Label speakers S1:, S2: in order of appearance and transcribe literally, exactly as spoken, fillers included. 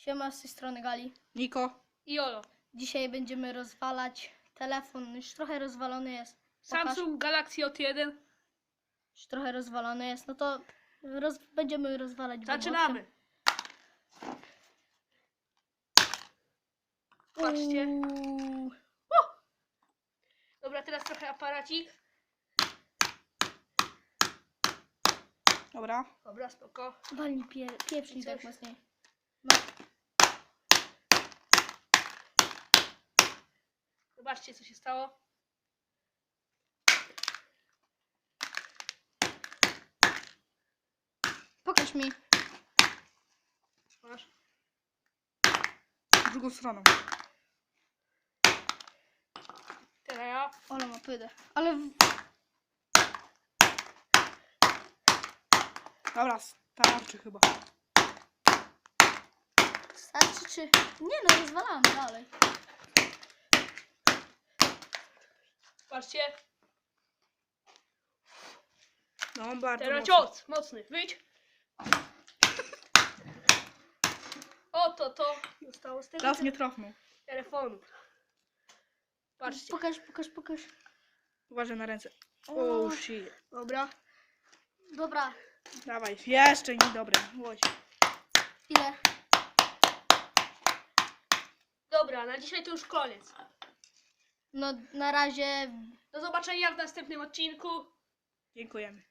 S1: Siema, z tej strony Gali.
S2: Niko.
S3: I Olo.
S1: Dzisiaj będziemy rozwalać telefon. Już trochę rozwalony jest. Pokaż.
S3: Samsung Galaxy J jeden.
S1: Już trochę rozwalony jest. No to roz... będziemy rozwalać go
S3: Zaczynamy. Patrzcie.
S1: Uuu.
S3: Dobra, teraz trochę aparacik.
S2: Dobra.
S3: Dobra, spoko.
S1: Walnij pie... pieprznik tak
S3: Coś?
S1: mocniej. No.
S3: Zobaczcie, co się stało.
S1: Pokaż mi.
S3: Masz.
S2: W drugą stroną.
S3: Teraz ja.
S1: Ola ma pydę. Ale... W...
S2: Dobra, starczy chyba.
S1: Starczy czy... Nie no, rozwalamy dalej.
S3: Patrzcie.
S2: No, bardzo
S3: Teraz
S2: mocno.
S3: cios. Mocny. Wyjdź. Oto to zostało z tego
S2: Raz nie trafnął.
S3: telefonu. Patrzcie.
S1: Pokaż, pokaż, pokaż.
S2: Uważaj na ręce.
S1: O.
S2: Oh shit.
S3: Dobra.
S1: Dobra.
S2: Dawaj, jeszcze nie dobre. Łoś.
S1: Ile?
S3: Dobra, na dzisiaj to już koniec.
S1: No na razie...
S3: Do zobaczenia w następnym odcinku.
S2: Dziękujemy.